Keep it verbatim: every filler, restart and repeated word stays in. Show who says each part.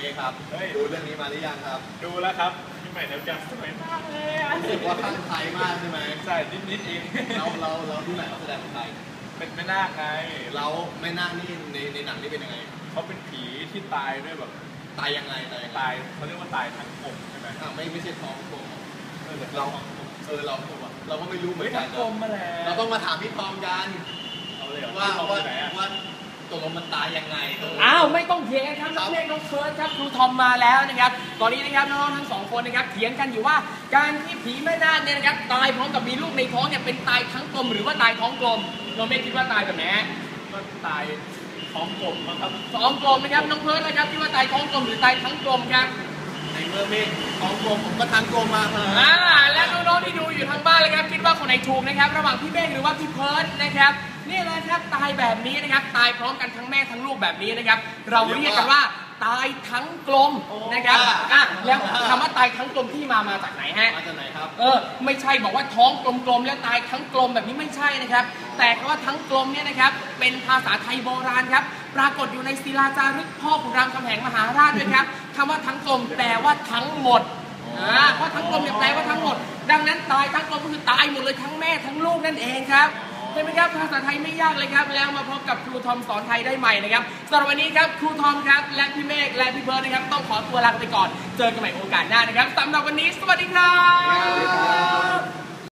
Speaker 1: มย์ครับดูเรื่องนี้มาหรือยังครับ
Speaker 2: ดูแล้วครับพี่ใหม่แถวจันสวยมากเลย
Speaker 1: รู้สึกว่าตั้งใจมากใช่ไหม
Speaker 2: ใช่นิดๆเอง
Speaker 1: เราเราเราดูหนังแสดงเป็นใคร
Speaker 2: เป็นแม่นาคไง
Speaker 1: เราแม่นาคนี่ในในหนังนี่เป็นยังไง
Speaker 2: เขาเป็นผีที่ตายด้วยแบบ
Speaker 1: ตายยังไงตาย
Speaker 2: ตายเขาเรียกว่าตายทั้งกลมใช่ไหม
Speaker 1: อ่าไม่ไม่ใช่ท้องกลมเราเออเราเราก็ไม่รู้เหมือนกัน
Speaker 2: ทั้งกลมมาแล้ว
Speaker 1: เราต้องมาถามพี่ทอมกันว่าว่าว่าตกลงมันตายยังไง
Speaker 3: อ้าวไม่ต้องเถียงกันครับน้องเล็กน้องเฟิร์สครับครูทอมมาแล้วนะครับตอนนี้นะครับน้องๆทั้งสองคนนะครับเถียงกันอยู่ว่าการที่ผีแม่นาคเนี่ยนะครับตายพร้อมกับมีลูกในท้องเนี่ยเป็นตายทั้งกลมหรือว่าตายท้องกลมน้องเล็กคิดว่าตายแบบไหน
Speaker 2: ก็ตายท้องกลมครับ
Speaker 3: ท้องกลมนะครับน้องเฟิร์สนะครับคิดว่าตายท้องกลมหรือตายทั้งกลมครับ
Speaker 1: ในเมื่อเมฆท้องกลมผมก็ทั้งกลมมา
Speaker 3: อ่าและน้องๆที่ดูอยู่ทางบ้านเลยครับคิดว่าคนไหนถูกนะครับระหว่างพี่เมฆหรือว่าพี่เพิร์ดนะครับนี่เลยครับตายแบบนี้นะครับตายพร้อมกันทั้งแม่ทั้งลูกแบบนี้นะครับเราเรียกกันว่าตายทั้งกลมนะครับอ่ะแล้วคำว่าตายทั้งกลมที่มามาจากไหนฮะ
Speaker 1: มาจากไหนครับ
Speaker 3: เออไม่ใช่บอกว่าท้องกลมๆแล้วตายทั้งกลมแบบนี้ไม่ใช่นะครับแต่คำว่าทั้งกลมเนี่ยนะครับเป็นภาษาไทยโบราณครับปรากฏอยู่ในศิลาจารึกพ่อขุนรามคำแหงมหาราชด้วยครับคำว่าทั้งกลมแปลว่าทั้งหมดอ่าเพราะทั้งกลมเนี่ยแปลว่าทั้งหมดดังนั้นตายทั้งกลมก็คือตายหมดเลยทั้งแม่ทั้งลูกนั่นเองครับใช่ไหมครับภาษาไทยไม่ยากเลยครับแล้วมาพบกับครูทอมสอนไทยได้ใหม่นะครับสำหรับวันนี้ครับครูทอมครับและพี่เมฆและพี่เบิร์ดนะครับต้องขอตัวลาไปก่อนเจอกันใหม่โอกาสหน้านะครับสำหรับวันนี้สวัสดีครับ